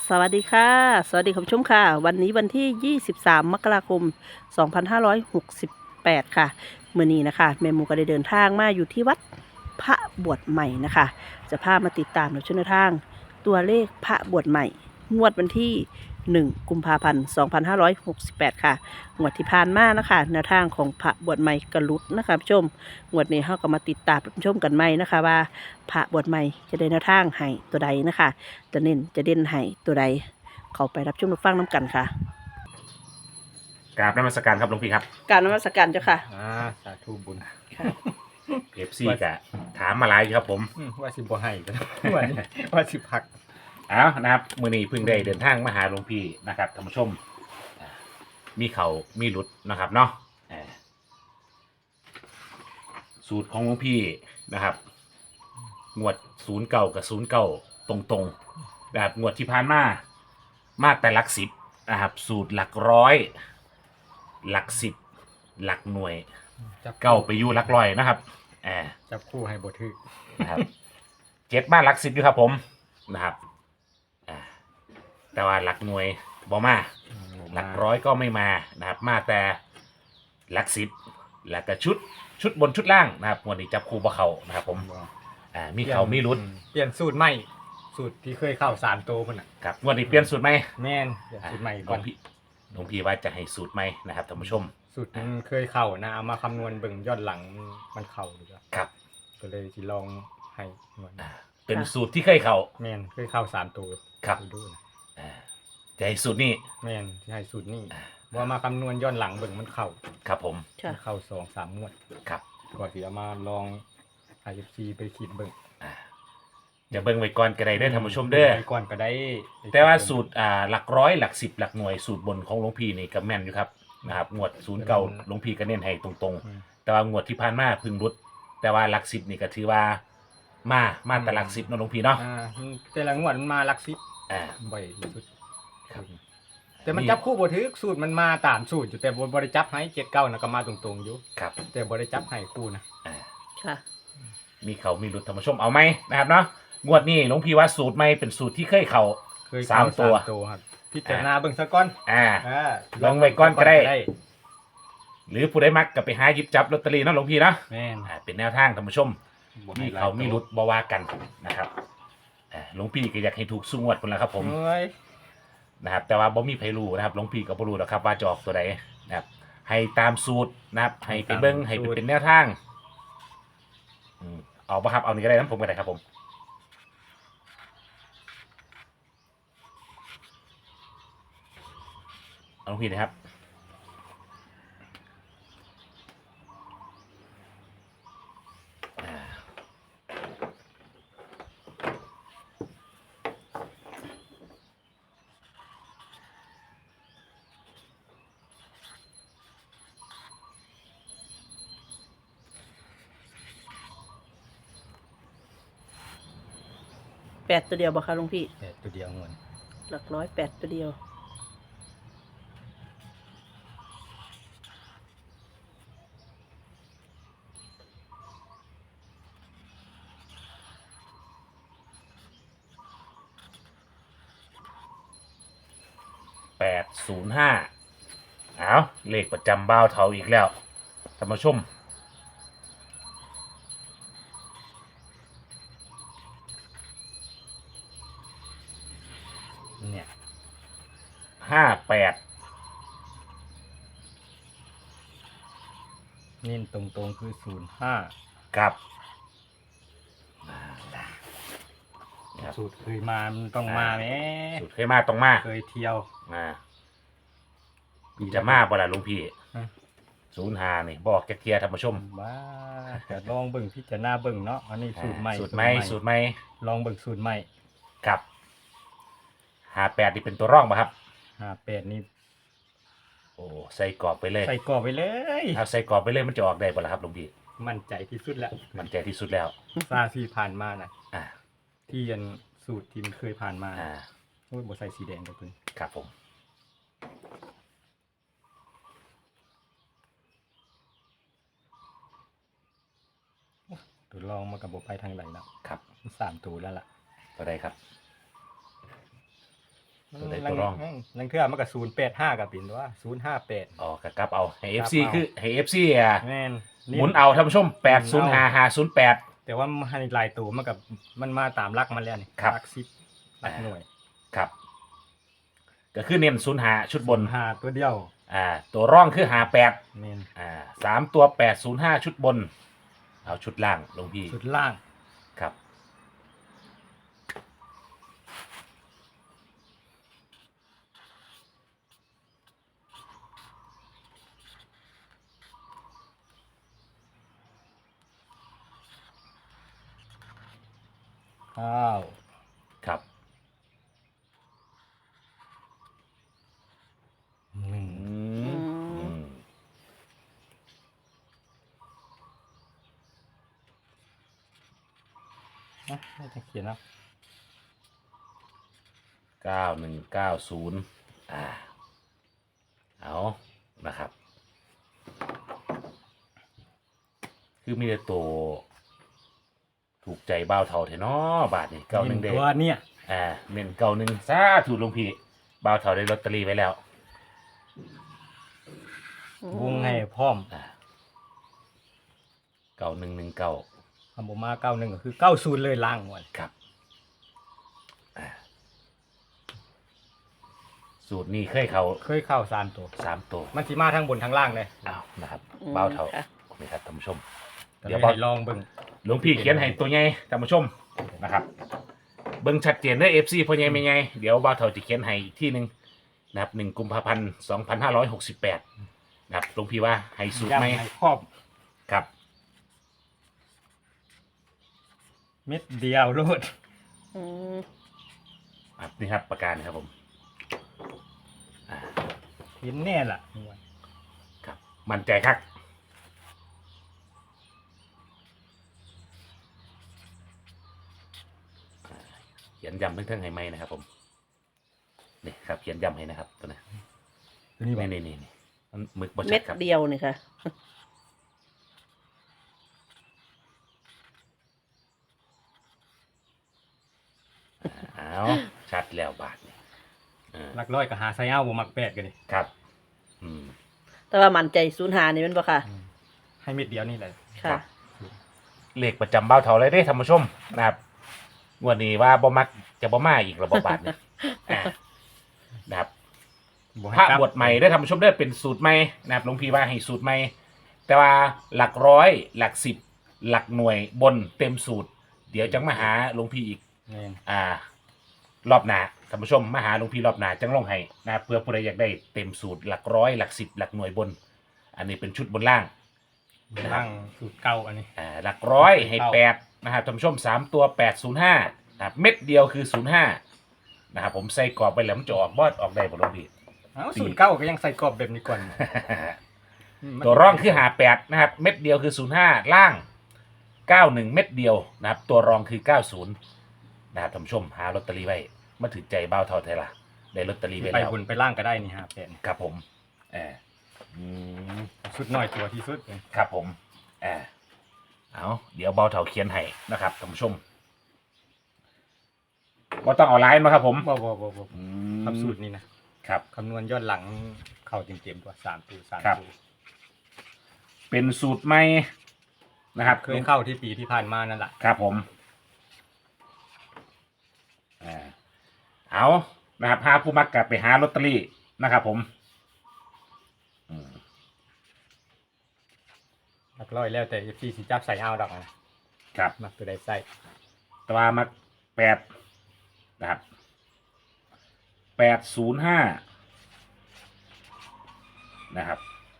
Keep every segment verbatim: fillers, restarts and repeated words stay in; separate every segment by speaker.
Speaker 1: สวัสดีค่ะสวัสดีคุณผู้ชมค่ะวันนี้วันที่ยี่สิบสามมกราคมสองพันห้าร้อยหกสิบแปดค่ะมื้อนี้นะคะแม่หมูก็ได้เดินทางมาอยู่ที่วัดพระบวชใหม่นะคะจะพามาติดตามในช่วงทางตัวเลขพระบวชใหม่งวดวันที่หนึ่งกุมภาพันธ์สองพันห้าร้อยหกสิบแปดค่ะงวดที่ผ่านมานะคะแนวทางของพระบวชใหม่กระลุดนะคะผู้ชมงวดนี้เราก็มาติดตามชมกันใหม่นะคะว่าพระบวชใหม่จะได้แนวทางให้ตัวใดนะคะจะเน้นจะเด่นให้ตัวใดเข้าไปรับชมรับฟังน้ำกันค่ะ
Speaker 2: กราบนมัสการครับหลวงพี่ครับ
Speaker 1: การนมัสการเจ้าค่ะ
Speaker 3: อ่าสาธุบุญ
Speaker 1: ค่ะ
Speaker 2: เอฟซีกะถามมาหลายอยู่ครับผม
Speaker 3: อืมว่าสิบ่ให้กัน ว่าสิว่าสิพัก
Speaker 2: เอานะครับมือนี้เพิ่งได้เดินทางมาหาหลวงพี่นะครับท่านผู้ชมอ่ามีเขามีหลุดนะครับเนาะอ่าสูตรของหลวงพี่นะครับงวดศูนย์เก่ากับศูนย์เก่าตรงๆแบบงวดที่ผ่านมามาแต่หลักสิบนะครับสูตรหลักร้อยหลักสิบหลักหน่วย
Speaker 3: จับ
Speaker 2: เก้าไปอยู่หลักร้อยนะครับอ่า
Speaker 3: จับคู่ให้บ่ถึก
Speaker 2: นะครับเจ็ดบ้านหลักสิบอยู่ครับผมนะครับอ่าแต่ว่าหลักหน่วยบ่มาหลักร้อยก็ไม่มานะครับมาแต่หลักสิบแล้วก็ชุดชุดบนชุดล่างนะครับวันนี้จับคู่บ่เขานะครับผมอ่ามีเขามีรุด
Speaker 3: อืเปลี่ยนสูตรใหม่สูตรที่เคยเข้าสามโตวพุ่นน่ะ
Speaker 2: ครับวันนี้เปลี่ยนสูตรไหม
Speaker 3: แม่นเปลี่ยนสูตรใหม่
Speaker 2: หล
Speaker 3: ก่
Speaker 2: ว
Speaker 3: อน
Speaker 2: งพี่หลวงพี่ว่าจะให้สูตรไหมนะครับท่านผู้ชม
Speaker 3: สูตรมันเคยเข้านะเอามาคำนวณเบิ่งย้อนหลังมันเข้าดีกว่า
Speaker 2: ครับ
Speaker 3: ก็เลยสิลองให้หน่วย
Speaker 2: อ่าเป็นสูตรที่เคยเขา
Speaker 3: แม่นเคยเข้าสามตัว
Speaker 2: ครับ
Speaker 3: ดูนะ
Speaker 2: อ่าจะให้สูตรนี้
Speaker 3: แม่นที่ให้สูตรนี้
Speaker 2: อ่า
Speaker 3: ว่ามาคำนวณย้อนหลังเบิ่งมันเข้า
Speaker 2: ครับผม
Speaker 1: ค่ะ
Speaker 3: มันเข้าสองสามงวด
Speaker 2: ครับ
Speaker 3: ก่อนสิเอามาลอง ไอ เอฟ ซี ไปคิดเบิ่ง
Speaker 2: อ่าอย่าเบิ่งไว้ก่อนก็ได้เด้อท่านผู้ชมเด้อ
Speaker 3: ไปก่อนก็ได้
Speaker 2: แต่ว่าสูตรอ่าหลักร้อยหลักสิบหลักหน่วยสูตรบนของหลวงพี่นี่ก็แม่นอยู่ครับนะครับงวดศูนย์เก่าหลวงพี่ก็เน้นให้ตรง
Speaker 3: อืม
Speaker 2: ๆ แต่ว่างวดที่ผ่านมาเพึ่งรุด แต่ว่าหลักสิบนี่ก็ถือว่ามามาแต่หลักสิบเนาะหลวงพี่เนาะ
Speaker 3: อ่าแต่ละงวดมันมาหลักสิบ
Speaker 2: อ่า
Speaker 3: บ่อยที่สุด
Speaker 2: ครับ
Speaker 3: แต่มันจับคู่บ่ถึกสูตรมันมาตามสูตรอยู่แต่บ่บ่ได้จับให้เจ็ดเก้านะก็มาตรงๆอยู่
Speaker 2: ครับ
Speaker 3: แต่บ่ได้จับให้คู่นะ
Speaker 2: อ่า
Speaker 1: ค่ะ
Speaker 2: มีเขามีรุดท่านผู้ชมเอาไหมนะครับเนาะงวดนี้หลวงพี่ว่าสูตรใหม่เป็นสูตรที่เคยเขา
Speaker 3: เคย
Speaker 2: สาม
Speaker 3: เข้
Speaker 2: ตัว
Speaker 3: ตัวครับพิจารณาเบิ่งซะก่อน
Speaker 2: อ่า
Speaker 3: อ่า
Speaker 2: ลองไว้ก่อนก็ได้ หรือผู้ใดมักก็ไปหาหยิบจับลอตเตอรี่เนาะหลวงพี่เนาะ
Speaker 3: แม่น
Speaker 2: อ่าเป็นแนวทางท่านผู้ชม
Speaker 3: บ่
Speaker 2: มี
Speaker 3: ให้หลย
Speaker 2: เขามีรุด
Speaker 3: ตัว
Speaker 2: บ่ว่ากันนะครับอ่าหลวงพี่ก็อยากให้ถูกสุงวดคนละครับผม
Speaker 3: เอ้ย
Speaker 2: นะครับแต่ว่าบ่มีไผรู้นะครับหลวงพี่ก็บ่รู้หรอกครับว่าจะออกตัวใดนะครับให้ตามสูตรนะครับให้ไปเบิ่งให้ไปเป็นแนวทางอืมเอาบ่ครับเอานี่ก็ได้นะผมก็ได้ครับผมเอาหลวงพี่นะครับอ่า
Speaker 1: แปดตัวเดียวบ่คะหลวงพี่
Speaker 3: แค่ตัวเดียวงวด
Speaker 1: หลักร้อยแปดตัวเดียว
Speaker 2: แปดศูนย์ห้าเอาเลขประจำบ้าวเทาอีกแล้วท่านผู้ชม
Speaker 3: เนี่ย
Speaker 2: ห้าแปด
Speaker 3: เน้นตรงๆคือศูนย์ห้า
Speaker 2: กับนะครับ
Speaker 3: สูตรเคยมามันต้องมาแหม
Speaker 2: สุดเคยมาตรงมา
Speaker 3: เคยเที่ยว
Speaker 2: อ่าจะมาบ่ล่ะหลุงพี่
Speaker 3: ฮะ
Speaker 2: ศูนย์หานี่บอกแกเทียท่านผู้ชม
Speaker 3: บ้าจะลองเบิ่งพิจารณาเบิ่งเนาะอันนี้สูตรใหม่
Speaker 2: อ่าสูตรใหม่สูตรใหม่
Speaker 3: ลองเบิ่งสูตรใหม่
Speaker 2: ครับหาแปดนี่เป็นตัวร่องป่ะครับ
Speaker 3: ห้าแปดนี่
Speaker 2: โอ้ใส่กรอบไปเลย
Speaker 3: ใส่กรอบไปเลย
Speaker 2: เอาใส่กรอบไปเลยมันจะออกได้บ่ล่ะครับหลุงพี่
Speaker 3: มั่นใจที่สุดแล้ว
Speaker 2: มันใจที่สุดแล้ว
Speaker 3: ซาที่ผ่านมาน่ะ
Speaker 2: อ่า
Speaker 3: ที่ยันสูตรที่มันเคยผ่านมา
Speaker 2: อ่า
Speaker 3: โอ้ยบ่ใส่สีแดงกับเพิ่น
Speaker 2: ครับผม
Speaker 3: ตัวลองมากับบ่ไปทางไหนแล้ว
Speaker 2: ครับ
Speaker 3: สามตัวแล้วล่ะ
Speaker 2: ก็ได้ครับตัวใดตัวรอง
Speaker 3: ลังเทื่อมันก็ศูนย์แปดห้าก็เป็นว่าศูนย์ห้าแปด
Speaker 2: อ๋อกกลับเอาให้
Speaker 3: กลับ
Speaker 2: เอฟ ซี
Speaker 3: เอา
Speaker 2: คือให้ เอฟ ซี อ่ะ
Speaker 3: แม่น
Speaker 2: หมุนเอาท่านผู้ชมแปดศูนย์ห้าห้าศูนย์แปด
Speaker 3: แต่ว่ามันให้หลายตัวมันกับมันมาตามหลักมันแล้วนี่
Speaker 2: ครับ
Speaker 3: หลักสิบหลักหน่วย
Speaker 2: ครับ ก็คือเน้นศูนย์ห้าชุดบน
Speaker 3: หาตัวเดียว
Speaker 2: อ่า ตัวร่องคือห้าแปด
Speaker 3: แม่น
Speaker 2: อ่าสามตัวแปดศูนย์ห้าชุดบน เอาชุดล่างหลวงพี่
Speaker 3: สุดล่าง
Speaker 2: ครับ
Speaker 3: ข้าว
Speaker 2: ครับ
Speaker 3: หนึ่ง
Speaker 2: อืมอืม
Speaker 3: นะไม่ต้องเขียนนะ
Speaker 2: เก้าหนึ่งเก้าศูนย์อ่า เอานะครับ คือมีแต่ตัวถูกใจบ่าวเท่าเถอะเนาะบาทนี่เก้าหนึ่งเด้
Speaker 3: ตัวเนี่ย
Speaker 2: อ่าเน้นเก้าหนึ่งซาถูกลงพี่บ่าวเท่าได้ลอตเตอรี่ไว้แล้ว
Speaker 3: วงให้พร้อม
Speaker 2: อ่าเก้าหนึ่งหนึ่งเก้า
Speaker 3: คำบอกมาเก้าหนึ่งก็คือเก้าศูนย์เลยล่างหมด
Speaker 2: ครับอ่าสูตรนี้เคยเขา
Speaker 3: เคยเข้าสามตัว
Speaker 2: สามตัว
Speaker 3: มันสีมาทั้งบนทั้งล่างเลย
Speaker 2: อ้าวนะครับ
Speaker 1: อืม
Speaker 2: บ่าวเท่า
Speaker 1: ค่ะ
Speaker 2: นี่ครับท่านผู้ชม
Speaker 3: แต่
Speaker 2: เดี๋ยว
Speaker 3: ไม่
Speaker 2: บ่าว
Speaker 3: ให้ลองเบิ่ง
Speaker 2: หลวงพี่เขียนให้ตัวใหญ่ท่านผู้ชมนะครับ เบิ่งชัดเจนเด้อ เอฟ ซี พ่อใหญ่แม่ใหญ่เดี๋ยวบ่าวเฒ่าจะเขียนให้อีกที่หนึ่งนะครับหนึ่งกุมภาพันธ์สองพันห้าร้อยหกสิบแปดนะครับหลวงพี่ว่าให้สูตรไหม
Speaker 3: ย้ำให้ครอบ
Speaker 2: ครับ
Speaker 3: เม็ดเดียวโลด
Speaker 1: อืม
Speaker 2: ครับนี่ครับประการนะครับผมอ่า
Speaker 3: เห็นแน่ล่ะ
Speaker 2: ครับมั่นใจครับอ่าเขียนย้ำเพิ่งๆให้ไหมนะครับผมนี่ครับเขียนย้ำให้นะครับตัวนี้
Speaker 3: ตัวนี้บ่
Speaker 2: นี่นี่นี่มันหมึกบด
Speaker 1: เม็
Speaker 2: ชั
Speaker 1: ด
Speaker 2: ดครับ
Speaker 1: เดียวนี่ค่ะ
Speaker 2: เอาชัดแล้วบาทนี่เออ
Speaker 3: หลักร้อยก็หาไซเอาบ่มักแปดกันนี่
Speaker 2: ครับอืม
Speaker 1: แต่ว่ามันใจศูนย์หานี่แมันบ่ค่ะ
Speaker 3: ให้เม็ดเดียวนี่แหละ
Speaker 2: ครั
Speaker 1: ค่ะ
Speaker 2: บ เลขประจำเบ้าเท่าเลยได้ท่านผู้ชมนะครับงวดนี้ว่าบ่มักจะบ่มาอีกระบบบาทเนี่ยอ่านะครับ
Speaker 3: บ่ให้
Speaker 2: พระ
Speaker 3: กลั
Speaker 2: บทใหม่ได้ท่านผู้ชมได้เป็นสูตรใหม่นะครับหลวงพี่ว่าให้สูตรใหม่ แต่ว่าหลักร้อยหลักสิบหลักหน่วยบนเต็มสูตร เดี๋ยวจังมาหาหลวงพี่อีก
Speaker 3: แม่น
Speaker 2: อ่ารอบหน้าท่านผู้ชมมาหาหลวงพี่รอบหน้าจังลงให้นะครับเพื่อผู้ใดอยากได้เต็มสูตรหลักร้อยหลักสิบหลักหน่วยบน อันนี้เป็นชุดบนล่าง
Speaker 3: ล่างสูตรเก่าอันนี้
Speaker 2: อ่าหลักร้อยให้
Speaker 3: เข้า
Speaker 2: แปดนะครับท่านผู้ชมสามตัวแปดศูนย์ห้านะครับเม็ดเดียวคือศูนย์ห้านะครับผมใส่กรอบไปแล้วมันจะออกบอดออกได้บ่หลวงพี่
Speaker 3: เอ้าสูตรเก่าก็ยังใส่กรอบแบบนี้ก่อนม
Speaker 2: ตัวร่องคือหาแปดนะครับเม็ดเดียวคือศูนย์ห้าล่างเก้าหนึ่งเม็ดเดียวนะครับตัวรองคือเก้าศูนย์นะครับท่านผู้ชมหาลอตเตอรี่ไว้มาถือใจเบ้าเท่าไทยละได้ลอตเตอรี่ไว้
Speaker 3: ไป
Speaker 2: แล้ว
Speaker 3: บนไปล่างก็ได้นี่ฮะแปด
Speaker 2: ครับผมเอออืม
Speaker 3: สุดน้อยตัวที่สุดเลย
Speaker 2: ครับผมเออเอาเดี๋ยวเบาเท่าเขียนให้นะครับท่านผู้ชมว่าต้องเอาไลน์มาครับผม
Speaker 3: บ่บ่บ่บ่
Speaker 2: อื
Speaker 3: ทำสูตรนี้นะครับ คำนวณย้อนหลังเข้าเต็มๆตัวสามตัวสาม
Speaker 2: ครับ
Speaker 3: ตัว
Speaker 2: เป็นสูตรใหม่นะครับ
Speaker 3: เคยเข้าที่ปีที่ผ่านมานั่นแหละ
Speaker 2: ครับผมอ่าเอานะครับพาผู้มักกลับไปหาลอตเตอรี่นะครับผมอืม
Speaker 3: หลักร้อยแล้วแต่พี่สิจับใส่เอาดอกนะครับ มักตัวใดใส่
Speaker 2: ตรามาแปดนะครับแปดศูนย์ห้านะครับ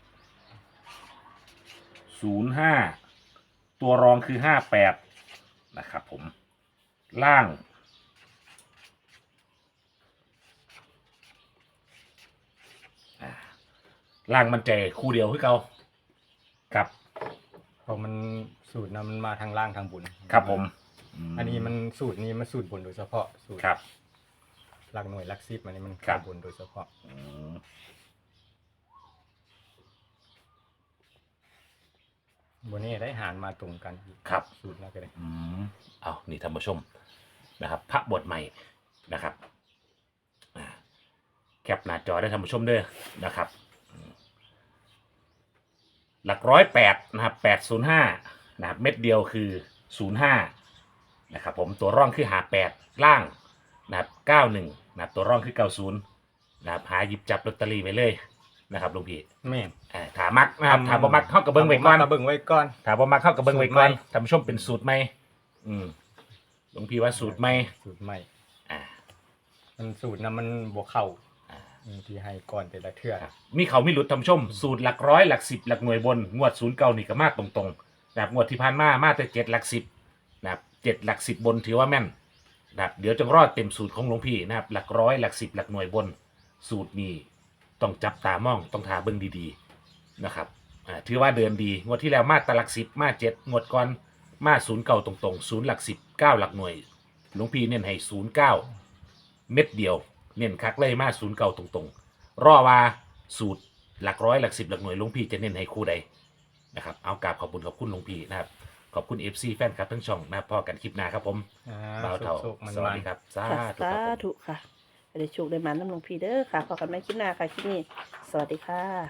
Speaker 2: ศูนย์ห้าตัวรองคือห้าแปดนะครับผมล่างอ่าล่างมันใจคู่เดียวคือเก่าครับ
Speaker 3: เพราะมันสูตรนะมันมาทางล่างทางบน
Speaker 2: ครับผม
Speaker 3: อันนี้มันสูตรนี้มันสูตรบนโดยเฉพาะสูตร
Speaker 2: ครับ
Speaker 3: หลักหน่วยหลักสิบอันนี้มัน
Speaker 2: ครั
Speaker 3: เข้า
Speaker 2: บ
Speaker 3: บนโดยเฉพาะ
Speaker 2: อืม
Speaker 3: บนนี้ได้หารมาตรงกันอีก
Speaker 2: ครับ
Speaker 3: สูตรแล้วก็ได้
Speaker 2: อืมเอานี่ท่านผู้ชมนะครับ พระบทใหม่นะครับอ่าแคปหน้าจอได้ท่านผู้ชมเด้อนะครับ หลักร้อยแปดนะครับแปดศูนย์ห้านะครับเม็ดเดียวคือศูนย์ห้านะครับผมตัวร่องคือหาแปดล่างนะครับเก้าหนึ่งนะครับตัวร่องคือเก้าศูนย์นะครับหาหยิบจับลอตเตอรี่ไปเลยนะครับลุงพี่
Speaker 3: แม่น
Speaker 2: อ่าถามักนะครับถาบ่มักเข้ากับเบิ้งไว้ก่อน
Speaker 3: ก็เบิ่งไว้ก่อน
Speaker 2: ถาบ่มักเข้ากับเบิ้งไว้ก่อน
Speaker 3: สูตรใหม่
Speaker 2: ท่านผู้ชมเป็นสูตรใหม่อืมลุงพี่ว่าสูตรใหม่
Speaker 3: สูตรใหม่
Speaker 2: อ่า
Speaker 3: มันสูตรนั้นมันบ่เข้า
Speaker 2: อ่า
Speaker 3: อืมที่ให้ก่อนแต่ละเทื่อ
Speaker 2: ครับมีเขามีหลุดท่านผู้ชม สูตรหลักร้อยหลักสิบหลักหน่วยบนงวดศูนย์เก้านี่ก็มาตรงๆนะครับงวดที่ผ่านมามาแต่เจ็ดหลักสิบนะครับเจ็ดหลักสิบบนถือว่าแม่นนะครับเดี๋ยวจงรอดเต็มสูตรของหลวงพี่นะครับหลักร้อยหลักสิบหลักหน่วยบน สูตรนี้ต้องจับตามองต้องทาเบิ้งดีๆนะครับอ่าถือว่าเดินดีงวดที่แล้วมาแตหลักสิบมาเจ็ดงวดก่อนมาศูนย์เก้าตรงๆศูนย์หลักสิบเก้าหลักหน่วยหลวงพี่เน้นให้ศูนย์เก้าเม็ดเดียวเน้นคักเลยมาศูนย์เก้าตรงๆรอว่าสูตรหลักร้อยหลักสิบหลักหน่วยหลวงพี่จะเน้นให้คู่ใดนะครับเอากราบขอบคุณขอบคุณหลวงพี่นะครับขอบคุณ เอฟ ซี แฟนคลับทั้งช่องนะครับพอกันคลิปหน้าครับผม
Speaker 3: อ่า
Speaker 2: บ่าวเท่า
Speaker 3: สุกๆมัน
Speaker 2: สวัสดีครับสา
Speaker 1: ค่ะ
Speaker 2: ธุครับ
Speaker 1: สา
Speaker 2: ผม
Speaker 1: ธุค่ะได้โชคได้มาน้ำหลวงพี่เด้อค่ะพอกันไม่คลิปหน้าค่ะคลิปนี้ สวัสดีค่ะ